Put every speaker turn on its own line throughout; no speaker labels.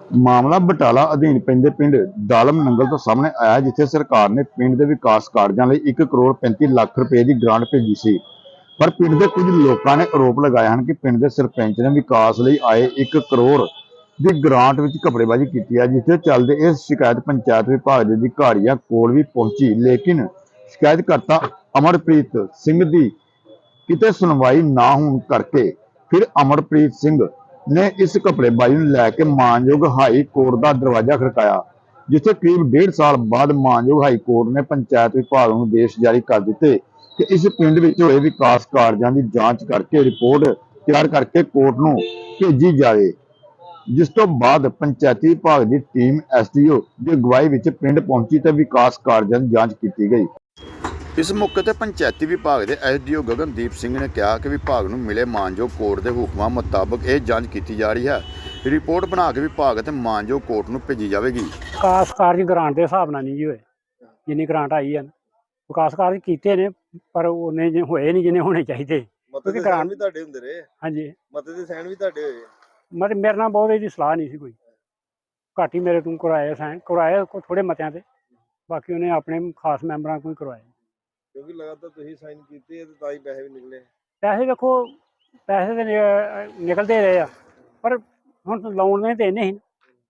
ਮਾਮਲਾ ਬਟਾਲਾ ਅਧੀਨ ਪੈਂਦੇ ਪਿੰਡ ਦਾਲਮ ਨੰਗਲ ਤੋਂ ਸਾਹਮਣੇ ਆਇਆ, ਜਿੱਥੇ ਸਰਕਾਰ ਨੇ ਪਿੰਡ ਦੇ ਵਿਕਾਸ ਕਾਰਜਾਂ ਲਈ 1 ਕਰੋੜ 35 ਲੱਖ ਰੁਪਏ ਦੀ ਗ੍ਰਾਂਟ ਭੇਜੀ ਸੀ। ਪਰ ਪਿੰਡ ਦੇ ਕੁਝ ਲੋਕਾਂ ਨੇ ਆਰੋਪ ਲਗਾਏ ਹਨ ਕਿ ਪਿੰਡ ਦੇ ਸਰਪੰਚ ਨੇ ਵਿਕਾਸ ਲਈ ਆਏ 1 ਕਰੋੜ ਦੀ ਗ੍ਰਾਂਟ ਵਿੱਚ ਘਪਲੇਬਾਜ਼ੀ ਕੀਤੀ ਹੈ, ਜਿਸ ਦੇ ਚੱਲਦੇ ਇਹ ਸ਼ਿਕਾਇਤ ਪੰਚਾਇਤ ਵਿਭਾਗ ਦੇ ਅਧਿਕਾਰੀਆਂ ਕੋਲ ਵੀ ਪਹੁੰਚੀ। ਲੇਕਿਨ ਸ਼ਿਕਾਇਤਕਰਤਾ ਅਮਰਪ੍ਰੀਤ ਸਿੰਘ ਦੀ ਕਿਤੇ ਸੁਣਵਾਈ ਨਾ ਹੋਣ ਕਰਕੇ ਫਿਰ ਅਮਰਪ੍ਰੀਤ ਸਿੰਘ ਨੇ ਇਸ ਘਪਲੇਬਾਜ਼ੀ ਨੂੰ ਲੈ ਕੇ ਮਾਨਯੋਗ ਹਾਈ ਕੋਰਟ ਦਾ ਦਰਵਾਜ਼ਾ ਖੜਕਾਇਆ, ਜਿੱਥੇ ਕਰੀਬ 1.5 ਸਾਲ ਬਾਅਦ ਮਾਨਯੋਗ ਹਾਈ ਕੋਰਟ ਨੇ ਪੰਚਾਇਤ ਵਿਭਾਗ ਨੂੰ ਆਦੇਸ਼ ਜਾਰੀ ਕਰ ਦਿੱਤੇ ਕਿ ਇਸ ਪਿੰਡ ਵਿੱਚ ਹੋਏ ਵਿਕਾਸ ਕਾਰਜਾਂ ਦੀ ਜਾਂਚ ਕਰਕੇ ਰਿਪੋਰਟ ਤਿਆਰ ਕਰਕੇ ਕੋਰਟ ਨੂੰ ਭੇਜੀ ਜਾਵੇ। ਜਿਸ ਤੋਂ ਬਾਅਦ ਪੰਚਾਇਤੀ ਵਿਭਾਗ ਦੀ ਟੀਮ ਐਸਡੀਓ ਦੀ ਅਗਵਾਈ ਵਿੱਚ ਪਿੰਡ ਪਹੁੰਚੀ ਤੇ ਵਿਕਾਸ ਕਾਰਜਾਂ ਦੀ ਜਾਂਚ ਕੀਤੀ ਗਈ। ਇਸ ਮੌਕੇ ਤੇ ਪੰਚਾਇਤੀ ਵਿਭਾਗ ਦੇ ਐਸਡੀਓ ਗਗਨਦੀਪ ਸਿੰਘ ਨੇ ਕਿਹਾ ਕਿ ਵਿਭਾਗ ਨੂੰ ਮਿਲੇ ਮਾਨਯੋਗ ਕੋਰਟ ਦੇ ਹੁਕਮਾਂ ਮੁਤਾਬਕ ਇਹ ਜਾਂਚ ਕੀਤੀ ਜਾ ਰਹੀ ਹੈ। ਰਿਪੋਰਟ ਬਣਾ ਕੇ ਵਿਭਾਗ ਅਤੇ ਮਾਨਯੋਗ ਕੋਰਟ ਨੂੰ ਭੇਜੀ ਜਾਵੇਗੀ।
ਵਿਕਾਸ ਕਾਰਜ ਗ੍ਰਾਂਟ ਦੇ ਹਿਸਾਬ ਨਾਲ ਨਹੀਂ ਜੀ ਹੋਏ, ਜਿੰਨੀ ਗ੍ਰਾਂਟ ਆਈ ਹੈ ਵਿਕਾਸ ਕਾਰਜ ਕੀਤੇ ਨੇ, ਪਰ ਉਹਨੇ ਹੋਏ ਨਹੀਂ ਜਿੰਨੇ ਹੋਣੇ ਚਾਹੀਦੇ।
ਮਤੇ ਦੇ ਸਾਈਨ ਵੀ ਤੁਹਾਡੇ ਹੁੰਦੇ ਰਹੇ?
ਹਾਂਜੀ,
ਮਤੇ ਦੇ ਸਾਈਨ ਵੀ ਤੁਹਾਡੇ ਹੋਏ?
ਮਤਲਬ ਮੇਰੇ ਨਾਲ ਬਹੁਤ ਇਹਦੀ ਸਲਾਹ ਨਹੀਂ ਸੀ, ਕੋਈ ਘੱਟ ਹੀ ਮੇਰੇ ਤੋਂ ਕਰਵਾਏ ਸਾਈਨ, ਕਰਵਾਏ ਥੋੜੇ ਮਤਿਆਂ ਤੇ, ਬਾਕੀ ਉਹਨੇ ਆਪਣੇ ਖਾਸ ਮੈਂਬਰਾਂ ਕੋਈ ਕਰਵਾਏ।
ਕਿਉਂਕਿ ਲਗਾਤਾਰ ਤੁਸੀਂ ਸਾਈਨ ਕੀਤੇ ਤੇ ਤਾਂ ਹੀ ਪੈਸੇ ਵੀ ਨਿਕਲੇ।
ਪੈਸੇ ਦੇਖੋ, ਪੈਸੇ ਤਾਂ ਨਿਕਲਦੇ ਰਹੇ ਆ, ਪਰ ਹੁਣ ਲਾਉਣ ਨੇ ਤਾਂ ਇੰਨੇ ਹੀ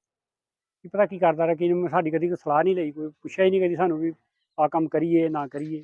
ਕੀ ਪਤਾ ਕੀ ਕਰਦਾ ਰਿਹਾ, ਕਿ ਸਾਡੀ ਕਦੀ ਕੋਈ ਸਲਾਹ ਨਹੀਂ ਲਈ, ਕੋਈ ਪੁੱਛਿਆ ਹੀ ਨਹੀਂ ਕਦੀ ਸਾਨੂੰ ਵੀ ਆਹ ਕੰਮ ਕਰੀਏ ਨਾ ਕਰੀਏ।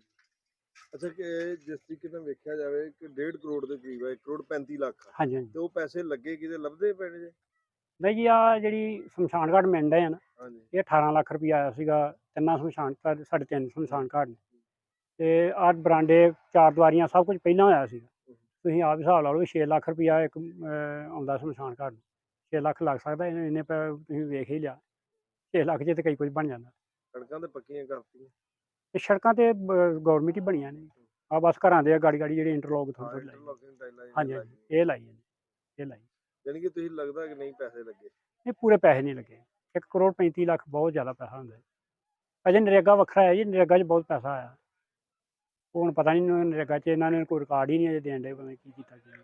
ਅੱਛਾ, ਕਿ ਜਿਸ ਤਰੀਕੇ ਨਾਲ ਵੇਖਿਆ ਜਾਵੇ ਕਿ 1.5 ਕਰੋੜ ਦੇ ਕਰੀਬ ਹੈ, 1 ਕਰੋੜ 35 ਲੱਖ,
ਹਾਂਜੀ ਹਾਂਜੀ।
ਤੇ ਉਹ ਪੈਸੇ ਲੱਗੇ ਕਿਤੇ ਲੱਭਦੇ ਪਏ ਜੇ?
ਨਹੀਂ ਜੀ, ਆਹ ਜਿਹੜੀ ਸ਼ਮਸ਼ਾਨ ਘਾਟ ਮਿੰਡ ਹੈ ਨਾ,
ਹਾਂਜੀ,
ਇਹ 18 ਲੱਖ ਰੁਪਈਆ ਆਇਆ ਸੀਗਾ, ਤਿੰਨਾਂ ਸ਼ਮਸ਼ਾਨ ਘਾਟ, ਸਾਡੇ 3 ਸ਼ਮਸ਼ਾਨ ਘਾਟ ਨੇ, ਤੇ ਆਹ ਬਰਾਂਡੇ 4 ਦੀਵਾਰੀਆਂ ਸਭ ਕੁਝ ਪਹਿਲਾਂ ਹੋਇਆ ਸੀਗਾ। ਤੁਸੀਂ ਆਪ ਹਿਸਾਬ ਲਾ ਲਓ, 6 ਲੱਖ ਰੁਪਈਆ ਇੱਕ ਆਉਂਦਾ ਸ਼ਮਸ਼ਾਨ ਘਾਟ ਨੂੰ, 6 ਲੱਖ ਲੱਗ ਸਕਦਾ, ਇੰਨੇ ਤੁਸੀਂ ਵੇਖ ਹੀ ਲਿਆ, 6 ਲੱਖ 'ਚ ਤਾਂ ਕਈ ਕੁਝ ਬਣ ਜਾਂਦਾ।
ਸੜਕਾਂ ਤੇ ਪੱਕੀਆਂ ਕਰਤੀਆਂ
ਤੇ ਸੜਕਾਂ ਤੇ ਗੌਰਮੈਂਟ ਹੀ ਬਣੀਆਂ ਨੇ, ਆ ਬਸ ਘਰਾਂ ਦੇ ਗਾੜੀ ਗਾੜੀ ਜਿਹੜੇ ਇੰਟਰਲੋਕ ਥੋੜ੍ਹੀ ਲਾਈ।
ਇੰਟਰਲੋਕਿੰਗ ਟਾਈਲਾਂ
ਹਾਂਜੀ ਹਾਂਜੀ, ਇਹ ਲਾਈ ਹੈ, ਇਹ ਲਾਈ।
ਯਾਨੀ ਕਿ ਤੁਸੀਂ ਲੱਗਦਾ ਕਿ ਨਹੀਂ ਪੈਸੇ ਲੱਗੇ?
ਨਹੀਂ, ਪੂਰੇ ਪੈਸੇ ਨਹੀਂ ਲੱਗੇ। 1 ਕਰੋੜ 35 ਲੱਖ ਬਹੁਤ ਜ਼ਿਆਦਾ ਪੈਸਾ ਹੁੰਦਾ ਹੈ। ਅਜੇ ਨਰੇਗਾ ਵੱਖਰਾ ਹੈ ਜੀ, ਨਰੇਗਾ 'ਚ ਬਹੁਤ ਪੈਸਾ ਆਇਆ, ਉਹ ਹੁਣ ਪਤਾ ਨਹੀਂ ਨਰੇਗਾ 'ਚ ਇਹਨਾਂ ਨੇ ਕੋਈ ਰਿਕਾਰਡ ਹੀ ਨਹੀਂ ਅਜੇ ਦੇਣ ਡੇ, ਪਤਾ ਨਹੀਂ ਕੀ ਕੀਤਾ ਕੀ ਨਹੀਂ।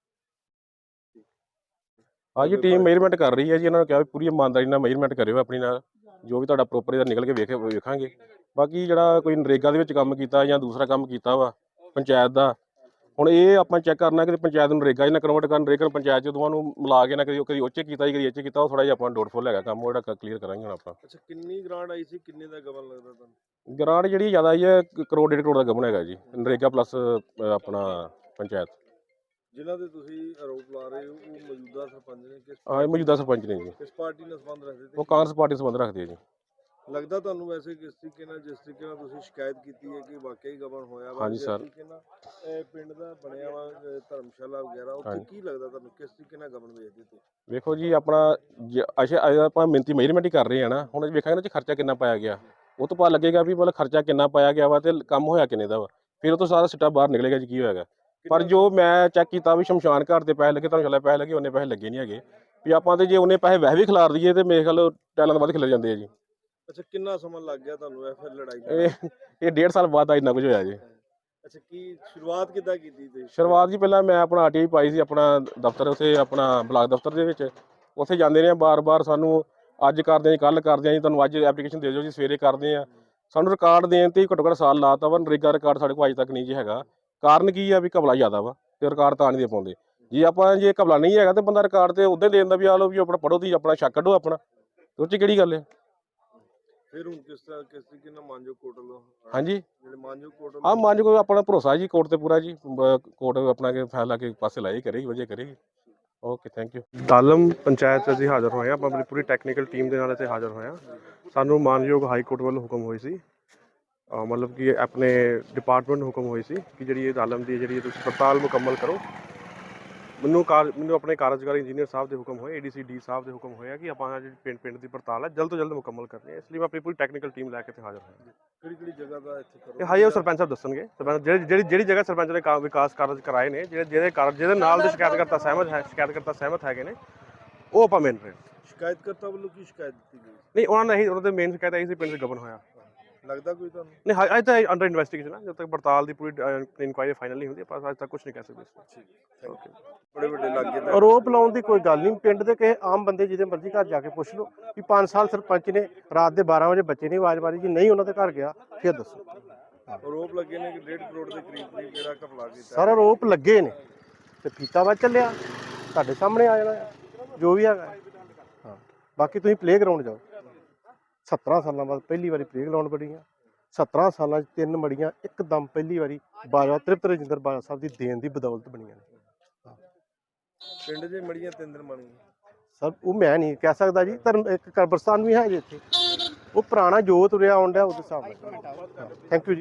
हाँ जी, टीम मेजरमेंट कर रही है जी। इन्होंने कहा भी पूरी ईमानदारी नाल मेजरमेंट करियो अपनी नाल, जो भी तुहाडा प्रॉपर इहदा निकल के वेखांगे। बाकी जिहड़ा कोई नरेगा दे विच काम कीता जां दूसरा काम कीता वा पंचायत दा, हुण ये आपां चैक करना कि पंचायत नूं नरेगा 'च ना कन्वर्ट करन, नरेगा नूं पंचायत 'ਚ दोवां नूं मिला के ना कदी ओह 'च कीता जी, कदी इह 'ਚ कीता, ओह थोड़ा जिहा आपां डाउटफुल हैगा काम, ओह जिहड़ा क्लीयर करांगे हुण आपां।
ਅੱਛਾ, ਕਿੰਨੀ ਗ੍ਰਾਂਟ आई सी, ਕਿੰਨੇ ਦਾ ਗਬਨ ਲੱਗਦਾ ਤੁਹਾਨੂੰ?
ग्रांट जिहड़ी ज़्यादा आई है, 1 करोड़ 1.5 करोड़ दा गबन हैगा जी, नरेगा प्लस अपना पंचायत।
ਜਿਨ੍ਹਾਂ ਦੇ ਤੁਸੀਂ ਆਰੋਪ ਲਾ ਰਹੇ ਹੋ ਉਹ ਮੌਜੂਦਾ ਸਰਪੰਚ ਨੇ?
हाँ, ये मौजूदा सरपंच ने जी,
ਕਿਸ ਪਾਰਟੀ ਨਾਲ ਸੰਬੰਧ ਰੱਖਦੇ
वो
ਤੇ?
कांग्रेस पार्टी संबंध रखती है जी।
ਲੱਗਦਾ ਤੁਹਾਨੂੰ ਵੈਸੇ ਕਿਸ ਤਰੀਕੇ ਨਾਲ, ਜਿਸ ਤਰੀਕੇ ਨਾਲ ਤੁਸੀਂ ਸ਼ਿਕਾਇਤ ਕੀਤੀ ਹੈ ਕਿ ਵਾਕਈ ਗਬਨ ਹੋਇਆ ਵਾ,
ਹਾਂਜੀ
ਜਿਸ
ਸਰ।
ਤਰੀਕੇ ਨਾਲ ਇਹ ਪਿੰਡ ਦਾ ਬਣਿਆ ਵਾ ਧਰਮਸ਼ਾਲਾ ਵਗੈਰਾ, ਉੱਥੇ
ਹਾਂਜੀ।
ਕੀ ਲੱਗਦਾ ਤੁਹਾਨੂੰ, ਕਿਸ ਤਰੀਕੇ ਨਾਲ ਗਬਨ ਵੇਚਦੇ ਤੇ?
ਵੇਖੋ ਜੀ, ਆਪਣਾ ਅੱਛਾ ਆਪਾਂ ਮਿਹਨਤੀ ਮੇਜਰਮੈਂਟ ਹੀ ਕਰ ਰਹੇ ਹਾਂ ਨਾ, ਹੁਣ ਵੇਖਾਂਗੇ ਨਾ ਜੀ ਖਰਚਾ ਕਿੰਨਾ ਪਾਇਆ ਗਿਆ, ਉਹ ਤੋਂ ਪਤਾ ਲੱਗੇਗਾ ਵੀ ਮਤਲਬ ਖਰਚਾ ਕਿੰਨਾ ਪਾਇਆ ਗਿਆ ਵਾ ਤੇ ਕੰਮ ਹੋਇਆ ਕਿੰਨੇ ਦਾ ਵਾ, ਫਿਰ ਉਹ ਤੋਂ ਸਾਰਾ ਸਿੱਟਾ ਬਾਹਰ ਨਿਕਲੇਗਾ ਜੀ ਕੀ ਹੋਏਗਾ। ਪਰ ਜੋ ਮੈਂ ਚੈੱਕ ਕੀਤਾ ਵੀ ਸ਼ਮਸ਼ਾਨ ਘਾਟ ਦੇ ਪੈਸੇ ਲੱਗੇ, ਤੁਹਾਨੂੰ ਚੱਲਿਆ ਪੈਸੇ ਲੱਗੇ, ਉਹਨੇ ਪੈਸੇ ਲੱਗੇ ਨਹੀਂ ਹੈਗੇ ਵੀ ਆਪਾਂ ਤੇ ਜੇ ਉਹਨੇ ਪੈਸੇ ਵੈਸੇ ਵੀ ਖਿਲਾਰ ਦਈਏ ਤੇ ਮੇਰੇ ਖਿਆਲ ਟੈਲਾਂ ਤੋਂ ਵੱਧ ਖਿਲਰ ਜਾਂਦੇ ਆ ਜੀ।
ਅੱਛਾ, ਕਿੰਨਾ ਸਮਾਂ ਲੱਗ ਗਿਆ ਤੁਹਾਨੂੰ ਇਹ ਫਿਰ ਲੜਾਈ ਨੂੰ?
ਇਹ 1.5 ਸਾਲ ਬਾਅਦ ਇੰਨਾ ਕੁਝ ਹੋਇਆ ਜੀ।
ਅੱਛਾ, ਕੀ ਸ਼ੁਰੂਆਤ ਕਿੱਦਾਂ ਕੀਤੀ ਤੁਸੀਂ?
ਸ਼ੁਰੂਆਤ ਜੀ ਪਹਿਲਾਂ ਮੈਂ ਆਪਣਾ ਆਰਟੀਆਈ ਪਾਈ ਸੀ ਆਪਣਾ ਦਫ਼ਤਰ, ਉੱਥੇ ਆਪਣਾ ਬਲਾਕ ਦਫ਼ਤਰ ਦੇ ਵਿੱਚ, ਉੱਥੇ ਜਾਂਦੇ ਰਹੇ ਬਾਰ-ਬਾਰ, ਸਾਨੂੰ ਅੱਜ ਕਰਦੇ ਹਾਂ ਜੀ, ਕੱਲ੍ਹ ਕਰਦੇ ਹਾਂ ਜੀ, ਤੁਹਾਨੂੰ ਅੱਜ ਐਪਲੀਕੇਸ਼ਨ ਦੇ ਦਿਓ ਜੀ, ਸਵੇਰੇ ਕਰਦੇ ਹਾਂ। ਸਾਨੂੰ ਰਿਕਾਰਡ ਦੇਣ ਤੇ ਘੱਟੋ ਘੱਟ ਸਾਲ ਲਾਤਾ ਵਾ, ਨਰੇਗਾ ਰਿਕਾਰਡ ਸਾਡੇ ਕੋਲ ਅੱਜ ਤੱਕ ਨਹੀਂ ਜੀ ਹੈਗਾ। ਕਾਰਨ ਕੀ ਆ ਵੀ ਘਪਲਾ ਜ਼ਿਆਦਾ ਵਾ ਤੇ ਰਿਕਾਰਡ ਤਾਂ ਨਹੀਂ ਦੇ ਪਾਉਂਦੇ ਜੀ। ਆਪਾਂ ਜੇ ਘਪਲਾ ਨਹੀਂ ਹੈਗਾ ਤੇ ਬੰਦਾ ਰਿਕਾਰਡ ਤੇ ਉੱਦਾਂ ਹੀ ਦੇਣ ਦਾ ਵੀ ਆ ਲਓ ਵੀ ਆਪਣਾ ਪੜ੍ਹੋ ਤੁਸੀਂ, ਆਪਣਾ ਸ਼ੱਕ ਕੱਢੋ ਆਪਣਾ, ਉਹ 'ਚ ਕਿਹੜੀ ਗੱਲ ਹੈ।
ਫਿਰ ਹੁਣ ਕਿਸ ਤਰੀਕੇ ਨਾਲ ਮਾਨਯੋਗ ਕੋਰਟ ਵੱਲੋਂ?
ਹਾਂਜੀ,
ਜਿਹੜੇ ਮਾਨਯੋਗ ਕੋਰਟ
ਹਾਂ, ਮਾਨਯੋਗ ਕੋਈ ਆਪਣਾ ਭਰੋਸਾ ਜੀ ਕੋਰਟ ਤੇ ਪੂਰਾ ਜੀ, ਕੋਰਟ ਆਪਣਾ ਕੇ ਫੈਸਲਾ ਕੇ ਪਾਸੇ ਲਾਈ ਕਰੇਗੀ, ਵਧੀਆ ਕਰੇਗੀ। Okay, thank you.
Dalam panchayat 'ਚ ਅਸੀਂ ਹਾਜ਼ਰ ਹੋਏ ਹਾਂ, ਆਪਾਂ ਆਪਣੀ ਪੂਰੀ ਟੈਕਨੀਕਲ ਟੀਮ ਦੇ ਨਾਲ ਇੱਥੇ ਹਾਜ਼ਰ ਹੋਏ ਹਾਂ। ਸਾਨੂੰ ਮਾਨਯੋਗ ਹਾਈ ਕੋਰਟ ਵੱਲੋਂ ਹੁਕਮ ਹੋਈ ਸੀ, ਮਤਲਬ ਕਿ ਆਪਣੇ ਡਿਪਾਰਟਮੈਂਟ ਨੂੰ ਹੁਕਮ ਹੋਈ ਸੀ ਕਿ ਜਿਹੜੀ ਇਹ ਦਾਲਮ ਦੀ ਜਿਹੜੀ ਤੁਸੀਂ ਪੜਤਾਲ ਮੁਕੰਮਲ ਕਰੋ। ਮੈਨੂੰ ਆਪਣੇ ਕਾਰਜਕਾਰੀ ਇੰਜੀਨੀਅਰ ਸਾਹਿਬ ਦੇ ਹੁਕਮ ਹੋਏ, ADC ਡੀ ਸਾਹਿਬ ਦੇ ਹੁਕਮ ਹੋਇਆ ਕਿ ਆਪਾਂ ਜਿਹੜੀ ਪਿੰਡ ਦੀ ਪੜਤਾਲ ਹੈ ਜਲਦ ਤੋਂ ਜਲਦ ਮੁਕੰਮਲ ਕਰਨੀ ਹੈ, ਇਸ ਲਈ ਮੈਂ ਆਪਣੀ ਪੂਰੀ ਟੈਕਨੀਕਲ ਟੀਮ ਲੈ ਕੇ ਇੱਥੇ ਹਾਜ਼ਰ ਹੋਇਆ।
ਕਿਹੜੀ ਜਗ੍ਹਾ ਦਾ ਇੱਥੇ ਕਰੋ?
ਇਹ ਹਾਈ ਸਰਪੰਚ ਸਾਹਿਬ ਦੱਸਣਗੇ, ਸਰਪੰਚ ਜਿਹੜੀ ਜਗ੍ਹਾ ਸਰਪੰਚ ਨੇ ਵਿਕਾਸ ਕਾਰਜ ਕਰਾਏ ਨੇ, ਜਿਹਦੇ ਨਾਲ ਦੇ ਸ਼ਿਕਾਇਤਕਰਤਾ ਸਹਿਮਤ ਹੈਗੇ ਨੇ, ਉਹ ਆਪਾਂ ਮੰਨ ਰਹੇ ਹਾਂ।
ਸ਼ਿਕਾਇਤਕਰਤਾ ਵੱਲੋਂ ਕੀ ਸ਼ਿਕਾਇਤ ਦਿੱਤੀ ਗਈ?
ਨਹੀਂ, ਉਹਨਾਂ ਦੇ ਮੇਨ ਸ਼ਿਕਾਇਤ ਆਈ ਸੀ ਪਿੰਡ 'ਚ ਗਬਨ ਹੋਇਆ।
ਲੱਗਦਾ ਕੋਈ ਤੁਹਾਨੂੰ?
ਨਹੀਂ ਅੱਜ ਤਾਂ ਅੰਡਰ ਇਨਵੈਸਟੀਗੇਸ਼ਨ ਹੈ, ਜਦ ਤੱਕ ਪੜਤਾਲ ਦੀ ਪੂਰੀ ਇਨਕੁਆਇਰੀ ਫਾਈਨਲ ਨਹੀਂ ਹੁੰਦੀ ਆਪਾਂ ਅੱਜ ਤੱਕ ਕੁਝ ਨਹੀਂ ਕਹਿ ਸਕਦੇ ਇਸ ਤੇ। ਓਕੇ।
ਬੜੇ ਵੱਡੇ ਲੱਗੇ ਤਾਂ
ਆਰੋਪ ਲਾਉਣ ਦੀ ਕੋਈ ਗੱਲ ਨਹੀਂ। ਪਿੰਡ ਦੇ ਕਿਸੇ ਆਮ ਬੰਦੇ ਜਿਹਦੇ ਮਰਜ਼ੀ ਘਰ ਜਾ ਕੇ ਪੁੱਛ ਲਓ ਵੀ 5 ਸਾਲ ਸਰਪੰਚ ਨੇ ਰਾਤ ਦੇ 12 ਵਜੇ ਬੱਚੇ ਨੇ ਆਵਾਜ਼ ਮਾਰੀ ਜੀ, ਨਹੀਂ ਉਹਨਾਂ ਦੇ ਘਰ ਗਿਆ ਫਿਰ ਦੱਸੋ।
ਆਰੋਪ ਲੱਗੇ ਨੇ ਕਿ 1.5 ਕਰੋੜ ਦੇ ਕਰੀਬ ਜਿਹੜਾ ਘਪਲਾ ਕੀਤਾ।
ਸਾਰਾ ਆਰੋਪ ਲੱਗੇ ਨੇ ਤੇ ਫੀਤਾਬਾਦ ਚੱਲਿਆ, ਤੁਹਾਡੇ ਸਾਹਮਣੇ ਆ ਜਾਣਾ ਜੋ ਵੀ ਹੈਗਾ। ਹਾਂ, ਬਾਕੀ ਤੁਸੀਂ ਪਲੇਗਰਾਊਂਡ ਜਾਓ। 17 ਸਾਲਾਂ ਬਾਅਦ ਪਹਿਲੀ ਵਾਰੀ ਪਲੇਗਰਾਊਂਡ ਬਣੀਆਂ। 17 ਸਾਲਾਂ 'ਚ 3 ਮੜੀਆਂ ਇੱਕਦਮ ਪਹਿਲੀ ਵਾਰੀ ਬਾਜਵਾ ਤ੍ਰਿਪਤ ਰਜਿੰਦਰ ਬਾਜਵਾ ਸਾਹਿਬ ਦੀ ਦੇਣ ਦੀ ਬਦੌਲਤ ਬਣੀਆਂ ਨੇ।
ਪਿੰਡ ਦੇ ਮੜੀਆਂ 3 ਦਿਨ ਬਣ ਗਈਆਂ।
ਸਰ ਉਹ ਮੈਂ ਨਹੀਂ ਕਹਿ ਸਕਦਾ ਜੀ। ਧਰਮ ਇੱਕ ਕਬਰਸਤਾਨ ਵੀ ਹੈ ਜੀ ਇੱਥੇ, ਉਹ ਪੁਰਾਣਾ ਜੋ ਤੁਰਿਆ ਆਉਣ ਡਿਆ ਉਹਦੇ ਹਿਸਾਬ ਨਾਲ। ਥੈਂਕ ਯੂ ਜੀ।